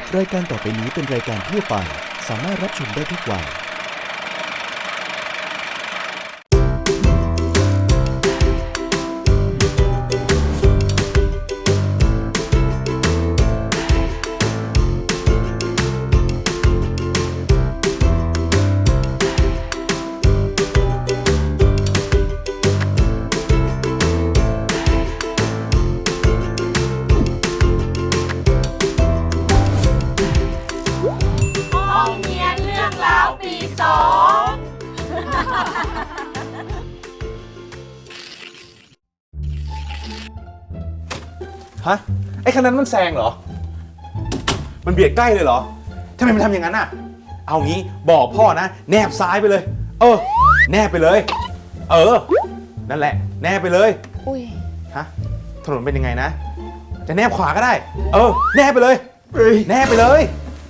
รายการต่อไปนี้เป็นรายการทั่วไปสามารถรับชมได้ทุกวัยฮะไอ้คันนั้นมันแซงเหรอมันเบียดใกล้เลยเหรอทำไมมันทำอย่างนั้นอ่ะเอางี้บอกพ่อนะแนบซ้ายไปเลยแนบไปเลยนั่นแหละแนบไปเลยอุ้ยฮะถนนเป็นยังไงนะจะแนบขวาก็ได้แนบไปเลยแนบไปเลย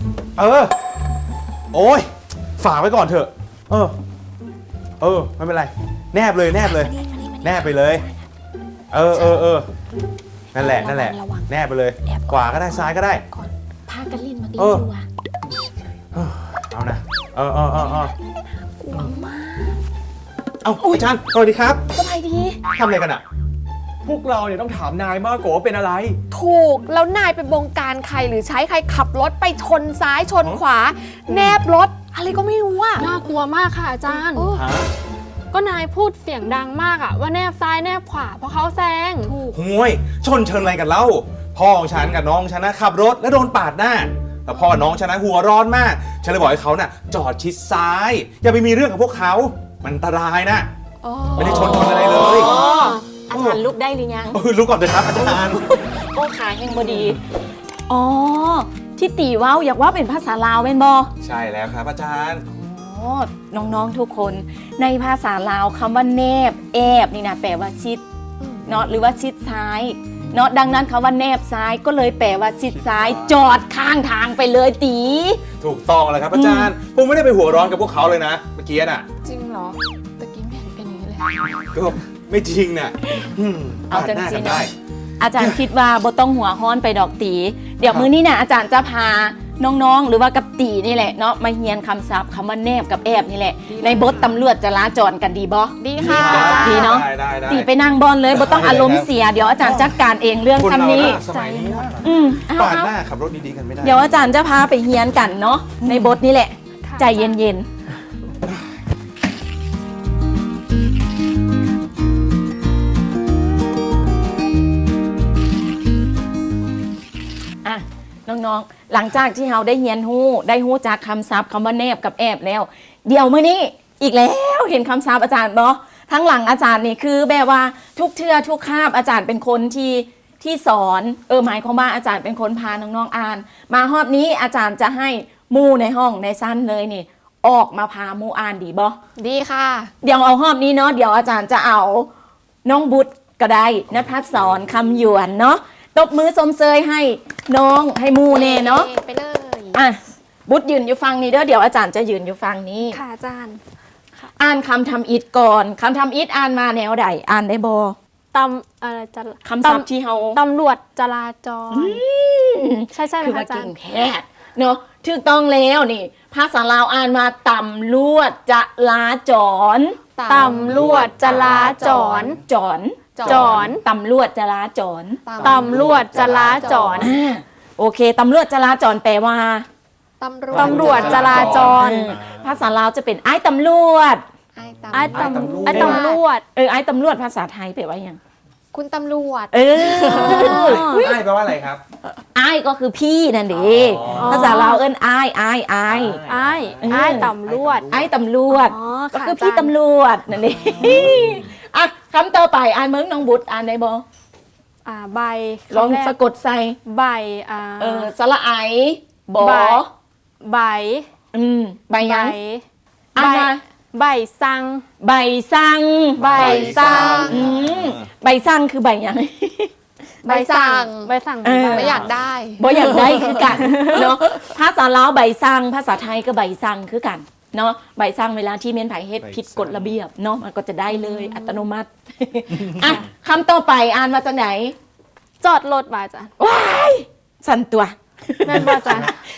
โอ้ยฝากไว้ก่อนเถอะไม่เป็นไรแนบเลยแนบเลยแนบไปเลยนั่นแหละแนบไปเลยขวาก็ได้ซ้ายก็ได้ก่อนพากันลิ้นมาดีดูว่ะเอานะกลัวมากอาจารย์สวัสดีครับสบายดีทำอะไรกันอ่ะพวกเราเนี่ยต้องถามนายมากกว่าว่าเป็นอะไรถูกแล้วนายไปบงการใครหรือใช้ใครขับรถไปชนซ้ายชนขวาแนบรถอะไรก็ไม่รู้อ่ะน่ากลัวมากค่ะอาจารย์ก็นายพูดเสียงดังมากอะว่าแนบซ้ายแนบขวาเพราะเขาแซงห่วยชนเชิญอะไรกันเล่าพ่อของฉันกับน้องฉันนะขับรถแล้วโดนปาดหน้าแต่พ่อน้องฉันนะหัวร้อนมากฉันเลยบอกให้เขาน่ะจอดชิดซ้ายอย่าไปมีเรื่องกับพวกเขามันอันตรายนะไม่ได้ชนอะไรเลยอาจารย์ลุกได้หรือยังลุกก่อนเลยครับอาจารย์โอ้ขาแห้งบดีที่ตีว้าวอยากว่าเป็นภาษาลาวเป็นบอใช่แล้วครับอาจารย์น้องๆทุกคนในภาษาลาวคำว่าแนบแอบนี่นะแปลว่าชิดเนาะหรือว่าชิดซ้ายเนาะดังนั้นคำว่าแนบซ้ายก็เลยแปลว่าชิดซ้ายจอดข้างทางไปเลยตีถูกต้องแล้วครับอาจารย์ผมไม่ได้ไปหัวร้อนกับพวกเขาเลยนะเมื่อกี้น่ะจริงเหรอตะกี้ไม่เห็นเป็นอย่างนี้เลยก็ไม่จริงน่ะเอาจังสิเนาะอาจารย์คิดว่าบ่ต้องหัวฮ้อนไปดอกตีเดี๋ยวมื้อนี้นะอาจารย์จะพาน้องๆหรือว่ากับตีนี่แหละเนาะมาเรียนคำศัพท์คำว่าแนบกับแอบนี่แหละในบทตำรวจจราจรกันดีบ่ดีค่ะดีเนาะตีไปนั่งบอลเลยบ่ต้องอารมณ์เสียเดี๋ยวอาจารย์จัดการเองเรื่องคำนี้ปาดหน้าขับรถดีๆกันไม่ได้เดี๋ยวอาจารย์จะพาไปเรียนกันเนาะในบทนี่แหละใจเย็นๆน้องๆหลังจากที่เราได้เรียนได้ฮู้จากคำศัพท์คำว่าแนบกับแอบแล้วเดี๋ยวมื้อนี้อีกแล้วเห็นคำศัพท์อาจารย์เนาะทั้งหลังอาจารย์นี่คือแบบว่าทุกเทื่อทุกคาบอาจารย์เป็นคนที่สอนหมายความว่าอาจารย์เป็นคนพาน้องๆอ่านมาฮอบนี้อาจารย์จะให้หมู่ในห้องในชั้นเลยนี่ออกมาพาหมู่อ่านดีบ่ดีค่ะเดี๋ยวเอาฮอบนี้เนาะเดี๋ยวอาจารย์จะเอาน้องบุตรก็ได้ณภัสสรคำหยวนเนาะตบมือสมเสยให้น้องให้มูเน่เนาะไปเลยบุตรยืนอยู่ฟังนี้เดี๋ยวอาจารย์จะยืนอยู่ฟังนี้ค่ะอาจารย์อ่านคำทำอิฐก่อนคำทำอิฐอ่านมาแนวใดอ่านได้บ่อะไรจะคำศัพท์ที่เฮาตำรวจจราจรใช่ไหมอาจารย์แท้เนาะถูกต้องแล้วนี่ภาษาลาวอ่านมาตำรวจจราจรตำรวจจราจรจรตำรวจจราจรตำรวจจราจรโอเคตำรวจจราจรแปลว่าตำรวจจราจรภาษาลาวจะเป็นไอ้ตำรวจไอ้ตำรวจไอ้ตำรวจภาษาไทยแปลว่ายังคุณตำรวจไอ้แปลว่าอะไรครับไอ้ก็คือพี่นั่นเองภาษาลาวไอ้ตำรวจไอ้ตำรวจก็คือพี่ตำรวจนั่นเองอ่ะคำต่อไปอ่านเมืองน้องบุตรอ่านได้บ่ใบลองสะกดใส่ใบสระไอบ่ใบใบยังใบสั่งใบสั่งใบสั่งใบสั่งคือใบยังใบสั่งไม่อยากได้บ่อยากได้คือกันเนาะภาษาลาวใบสั่งภาษาไทยก็ใบสั่งคือกันเนาะใบสั่งเวลาที่เมนไผเฮ็ดผิดกฎระเบียบเนาะมันก็จะได้เลยอัตโนมัติอ่ะคำต่อไปอ่านมาจากไหนจอดรถมาจ้ะว้ายสั่นตัวแม่นบ่จ้ะ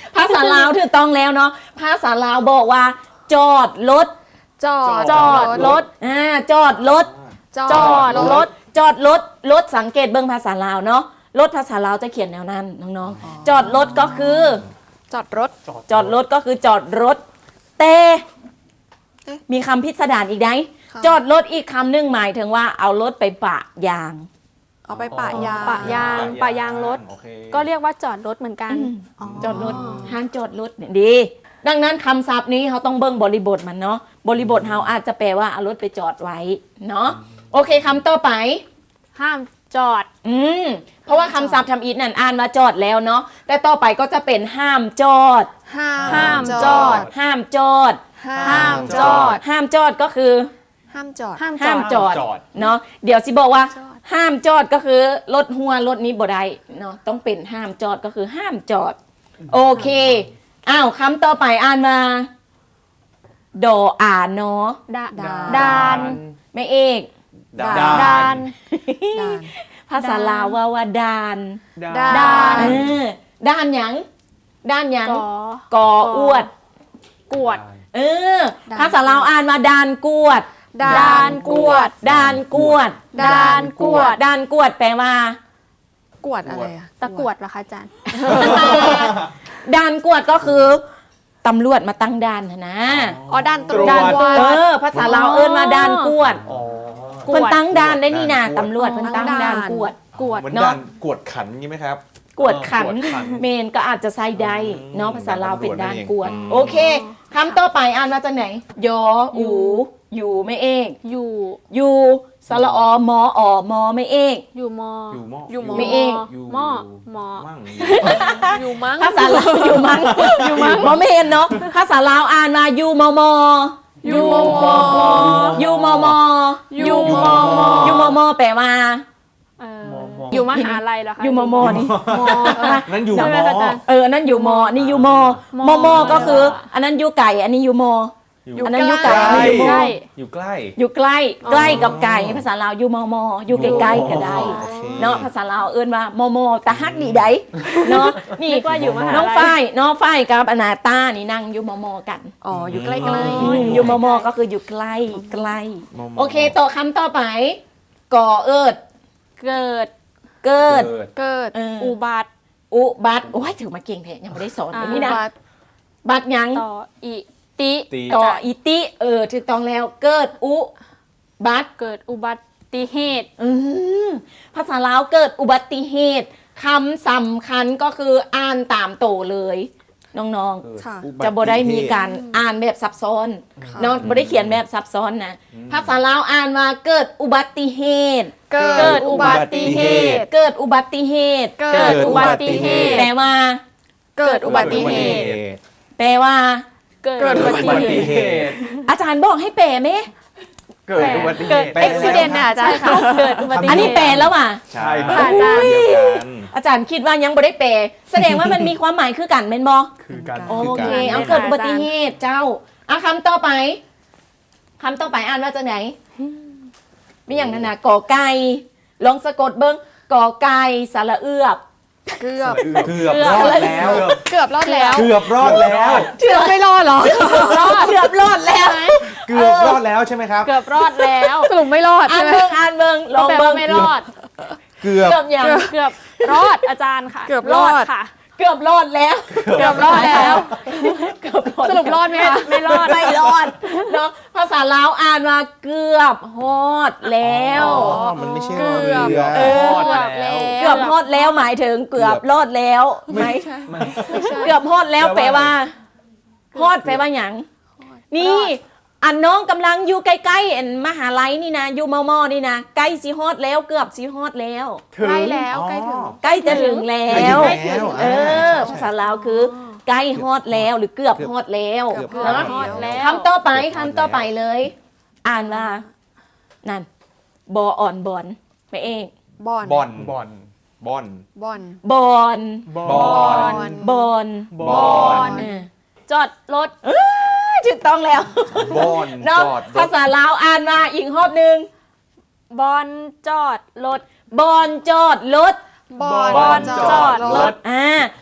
ลาวถูกต้องแล้วเนาะภาษาลาวบอกว่า จอดรถจอดรถจอดรถจอดรถจอดรถรถสังเกตเบิ่งภาษาลาวเนาะรถภาษาลาวจะเขียนแนวนั้นน้องๆจอดรถก็คือจอดรถจอดรถก็คือจอดรถแต่มีคำพิสดารอีกไหมค่ะจอดรถอีกคำหนึ่งหมายถึงว่าเอารถไปปะยางเอาไปปะยางปะยางรถโอเคก็เรียกว่าจอดรถเหมือนกันจอดรถห้ามจอดรถเนี่ยดี ดังนั้นคำศัพท์นี้เขาต้องเบิ่งบริบทมันเนาะบริบทเขาอาจจะแปลว่าเอารถไปจอดไว้เนาะโอเคคำต่อไปห้ามจอดเพราะว่าคำศัพท์ทำอีทนั่นอ่านมาจอดแล้วเนาะแต่ต่อไปก็จะเป็นห้ามจอดห้ามจอดห้ามจอดห้ามจอดห้ามจอดก็คือห้ามจอดห้ามจอดจอดเนาะเดี๋ยวสิบอกว่าจอดห้ามจอดก็คือรถหัวรถนี้บ่ได้เนาะต้องเป็นห้ามจอดก็คือห้ามจอด โอเคอ้าวคำต่อไปอ่านมาดออ่านเนาะดานไม่เอกดาดานด่านภาษาลาวว่าดานดานเออด้านหยังด้านหยังก่อกออวดกวดเออภาษาลาวอ่านมาดานกวดด่านกวดดานกวดดานกวดดานกวดแปลว่ากวดอะไรอะตะกรวดเหรอคะอาจารย์ด่านกวดก็คือตำรวจมาตั้งด่านนะอ๋อด่านตรวจด่านตรวจภาษาลาวเอิ้นมาด่านกวดอ๋อเพิ่นตั้งด่านได้นี่นะตำรวจเพิ่นตั้งด่านกวดกวดเหมือนเนอะด่านกวดขันงี้ไหมครับกวดขันกวดขันเมนก็อาจจะใส่ได้เนาะภาษาลาวเป็นด่านกวด โอเคคำต่อไปอ่านมาจากไหนยออูอยู่ไม่เอกอยู่ยูสระอมออมอไม่เอกอยู่มออยู่หม้ออยู่หมอไม่เอกอยู่หม้อหมอมั่งอยู่มั้งภาษาลาวอยู่มั้งอยู่มั้งมอไม่เห็นเนาะภาษาลาวอ่านมายูมอมออยู่มอยูมอมออยู่มอยูมอมอแปลว่าเอออยู่มหาลัยเหรอคะยูมอมอนี่นั่นอยู่ใช่หไหมม้อคะอาจารย์อันนั้นอยู่มอนี่อยู่มอมอมอก็คือ อันนั้นอยู่ไก่อันนี้อยู่มออันนั้นอยู่ไก่อันนี้อยู่มอใกล้อยู่ใกล้อยู่ใกล้ใกล้กับไก่ภาษาลาวอยู่มอมออยู่ใกล้ๆก็ได้โอเคเนาะภาษาลาวเอิ้นว่ามอมอแต่ฮักดีได้เนาะนี่นึกว่าอยู่มหาลัยน้องฝ้ายกับอนาตานี่นั่งอยู่มอมอกันอ๋ออยู่ใกล้อยู่มอมอก็คืออยู่ใกล้ใกล้มอมอโอเคต่อคำต่อไปก่อเอิดเกิดเกิดเกิดอุบัติอุบัติโอ้ยถือมาเก่งแท้ยังไม่ได้สอนเลยนี่นะบัตรบัตรยังต่ออิติตีต่ออีติถูกต้องแล้วเกิดอุบัติเกิดอุบัติเหตุภาษาลาวเกิดอุบัติเหตุคำสำคัญก็คืออ่านตามโตเลย น้องค่ะๆ จะบ่ได้มีการอ่านแบบซับซ้อนเนาะบ่ได้เขียนแบบซับซ้อนนะภาษาลาวอ่านว่าเกิดอุบัติเหตุเกิดอุบัติเหตุเกิดอุบัติเหตุเกิดอุบัติเหตุแปลว่าเกิดอุบัติเหตุแปลว่าเกิดเกิดอุบัติอุบัติเหตุอาจารย์บอกให้แปลไหมเกิดอุบัติเหตุอุบิเหตุน่ะอาจารย์ค่ะเกิดอุบัติเหตุอันนี้แปลแล้วว่ะใช่ค่ะอาจารย์เดียวกันอาจารย์คิดว่ายังบ่ได้แปลแสดงว่ามันมีความหมายคือกันเป็นบอคือการโอเคเอาเกิดอุบัติเหตุเจ้าคำต่อไปคำต่อไปอ่านว่าจากไหนมีอย่างนั้นนะกอไก่ลองสะกดเบิ้งกอไก่สระเอือบเกือบเกือบรอดแล้วเกือบรอดแล้วเกือบรอดแล้วเกือบไม่รอดเหรอเกือบรอดแล้วเกือบรอดแล้วใช่ไหมครับเกือบรอดแล้วสรุปไม่รอดอ่าใช่นไหมเบิ้งลองแปลเบิ้ว่าง ไม่รอดเกือบเกือบยังเกือบรอดอาจารย์ค่ะเกือบรอดค่ะเกือบรอดแล้วเกือบรอดแล้วเกือบรอดสรุปรอดไหมคะไม่รอดไม่รอดเนาะภาษาลาวอ่านว่าเกือบฮอดแล้วอ๋อมันไม่ใช่รอเรือเออรอดแล้วเกือบฮอดแล้วหมายถึงเกือบรอดแล้วไหมเกือบฮอดแล้วแปลว่าฮอดแปลว่าหยังนี่อันน้องกำลังอยู่ใกล้ๆอันมหาลัยนี่นะอยู่มอนี่นะใกล้สิฮอดแล้วเกือบสิฮอดแล้วใกล้แล้วใกล้ถึงใกล้จะถึงแล้วใกล้ถึงแล้วเออภาษาลาวคือใกล้ฮอดแล้วหรือเกือบฮอดแล้วเกือบเนอะฮอดแล้วคำต่อไปเลย อ่านว่านั่นบออ่อนบอนไม่เองบอนบอนบอลบอนบอนบอนบบออลลบอนบอลเออจอดรถถูกต้องแล้วบอนเนาะจอดรภาถษาลาวอ่านมาอีกรอบหนึ่งบอลจอดรถบอนจอดรถบอนบอนจอดรถอ่า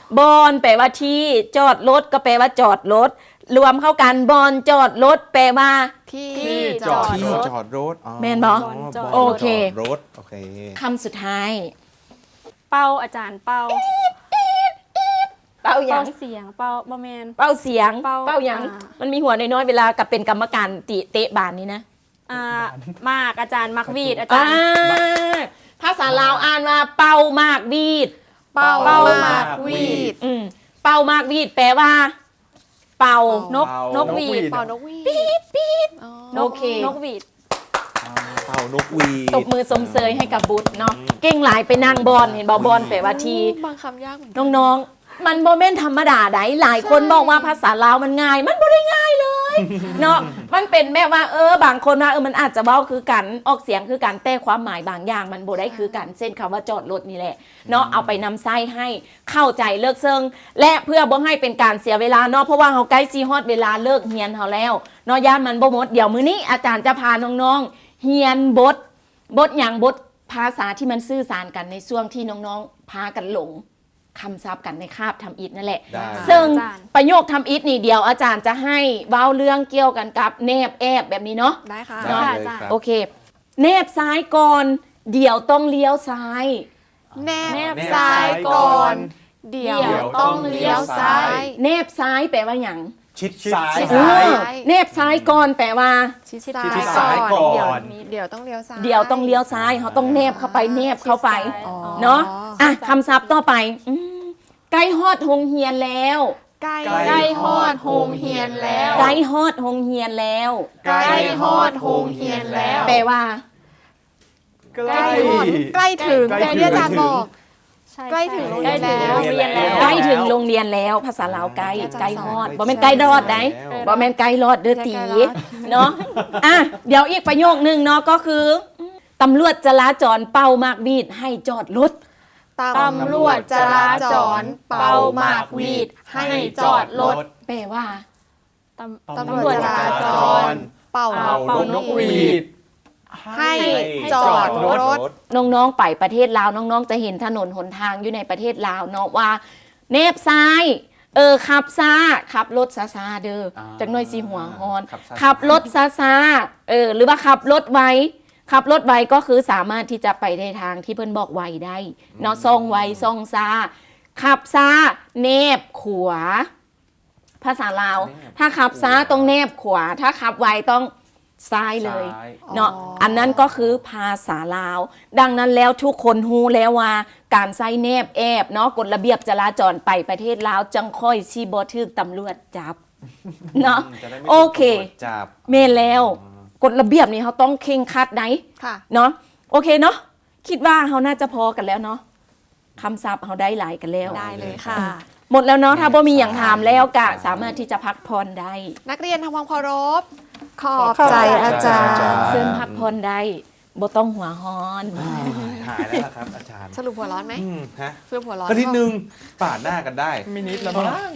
บอนแปลว่าที่จอดรถก็แปลว่าจอดรถรวมเข้ากันบอนจอดรถแปลว่าที่ที่จอดที่รถจอดรถอ๋อแม่นบ่บโอเคจอดรถโอเคคำสุดท้ายเป้าอาจารย์เป้าเป้าหยัเป้าง เสียงเป้าบอแมนเป้าเสียงเป้าหยังอ่ามันมีหัวน้อยๆเวลากับเป็นกรรมการเตะบานนี่นะมากอาจารย์มักวีดอาจาอ่ารย์ภาษาลาวอ่านว่าเป้ามากวีดเป้าเป้ามาก วีดเป้ามากวีดแปลว่า เป่านกเป้านกหวีดเป่านกวีดปี๊ดอ๋อโอเคนกหวีดเป่านกหวีตบมือสมเสยให้กับบุตรเนาะเก่งหลายไปนั่งบอลเห็นบอลแปลว่าทีบางคำยากเหมือนกันน้องๆ มันโมเมนธรรมดาไดหลายคนบอกว่าภาษาลาวมันง่าย มันบ่ได้ง่ายเลย เนาะมันเป็นแบบว่าบางคนว่ามันอาจจะเว้าคือกันออกเสียงคือกันแต่ความหมายบางอย่างมันบ่ได้คือกันเช่นคำว่าจอดรถนี่แหละเนาะเอาไปนำไส้ให้เข้าใจเลิกเซิงและเพื่อบ่ให้เป็นการเสียเวลาเนาะเพราะว่าเฮาใกล้สิฮอดเวลาเลิกเรียนเฮาแล้วเนาะย่านมันบ่หมดเดี๋ยวมื้อนี้อาจารย์จะพาน้องๆเรียนบทอย่างบทภาษาที่มันสื่อสารกันในช่วงที่น้องๆพากันหลงคำศัพท์กันในคาบทำอิฐนั่นแหละได้ซึ่งอาจารย์ประโยคทำอิฐนี่เดียวอาจารย์จะให้เว้าเรื่องเกี่ยวกันกับแนบแอบแบบนี้เนาะได้ค่ะได้เลยครับโอเค แนบซ้ายก่อน เดี๋ยวต้องเลี้ยวซ้ายแนแนบบ ซ้ายก่อน เดี๋ยวเดี๋ยวต้องเลี้ยวซ้ายแนบซ้ายแปลว่าหยังชิดซ้ายชิดเอซ้ายอแนบซ้ายก่อนแปลว่าชิดชิดซ้ายก่อนเดี๋ยวต้องเลี้ยวซ้ายเดี๋ยวต้องเลี้ยวซ้ายเขาต้องแนบเข้าไปแนบเข้าไปอ๋อเนาะอ่ะคำศัพท์ต่อไปใกล้ฮอดโรงเรียนแล้วใกล้ใกล้ฮอดโฮงเฮียนแล้วใกล้ฮอดโรงเรียนแล้วใกล้ฮอดโฮงเฮียนแล้วแปลว่าใกล้ฮอดใกล้ถึงใกล้แต่ถึงที่อาจารย์บอกใช่ใกล้ถึงโรงเรีใกล้ยนถึงแล้วโรงเรียนแล้วใกล้ถึงโรงเรียนแล้วภาษาลาวใกล้อาจารย์ใกล้ฮอดสอนบ่แม่นใกล้รอดได้ บ่แม่นไกลรอดเด้อตีใกล้รอดเนาะอ่ะเดี๋ยวอีกประโยคนึงเนาะก็คือตำรวจจราจรเป่ามากวีดให้จอดรถตำรวจจราจรเป่ามากวีดให้จอดรถแปลว่าตำรวจจราจรเป่าเป่านกหวีดให้จอดรถน้องๆไปประเทศลาวน้องๆจะเห็นถนนหนทางอยู่ในประเทศลาวเนาะว่าเนบซ้ายขับซ่าขับรถซาๆเด้อจักหน่อยสิหัวฮอน ขับรถซาๆหรือว่าขับรถไวขับรถไวก็คือสามารถที่จะไปในทางที่เพิ่นบอกไวได้เนาะซ่องไวซ่องซาขับซาเนบขวา ภาษาลาว ถ้าขับซ้ายต้องเนบขวา ถ้าขับไวต้องซ้ายเลยซ้ายเนาะอ๋ออัอันนั้นก็คือภาษาลาว ดังนั้นแล้วทุกคนฮู้แล้วว่าการใส่เนบแอบเนาะกฎระเบียบจราจรไปประเทศลาวจังค่อยชีบ่ถึกตำรวจจับเนาะจะได้ไม่โอเคถูกตำรวจจับเมนแล้วกฎระเบียบนี้เขาต้องเคร่งครัดไหนค่ะเนาะโอเคเนาะคิดว่าเขาน่าจะพอกันแล้วเนาะคำศัพท์เขาได้หลายกันแล้วได้เลยค่ะหมดแล้วเนาะถ้าบ่มีอย่างถามแล้วก็สามารถที่จะพักผ่อนได้นักเรียนทำความเคารพ ขอบใจอาจารย์เซิ่มพักผ่อนได้บ่ต้องหัวฮ้อนหายแล้วล่ะครับอาจารย์สรุปหัวร้อนไหมฮะสรุปหัวร้อนก็นิดนึงปาดหน้ากันได้มินิดละมั้ง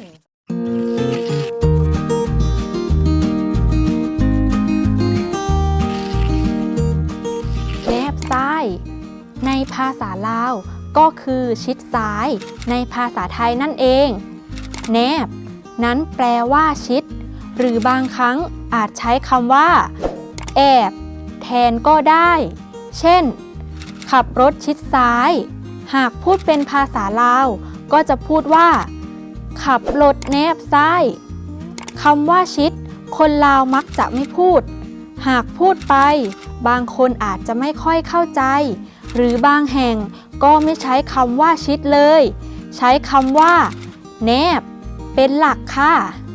แนบซ้าย ในภาษาลาวก็คือชิดซ้าย ในภาษาไทยนั่นเอง แนบ นั้นแปลว่าชิด หรือบางครั้งอาจใช้คำว่า แอบ แทนก็ได้ เช่น ขับรถชิดซ้าย หากพูดเป็นภาษาลาวก็จะพูดว่า ขับรถแนบซ้ายคำว่าชิด คนลาวมักจะไม่พูด หากพูดไปบางคนอาจจะไม่ค่อยเข้าใจ หรือบางแห่งก็ไม่ใช้คำว่าชิดเลย ใช้คำว่า แนบ เป็นหลักค่ะ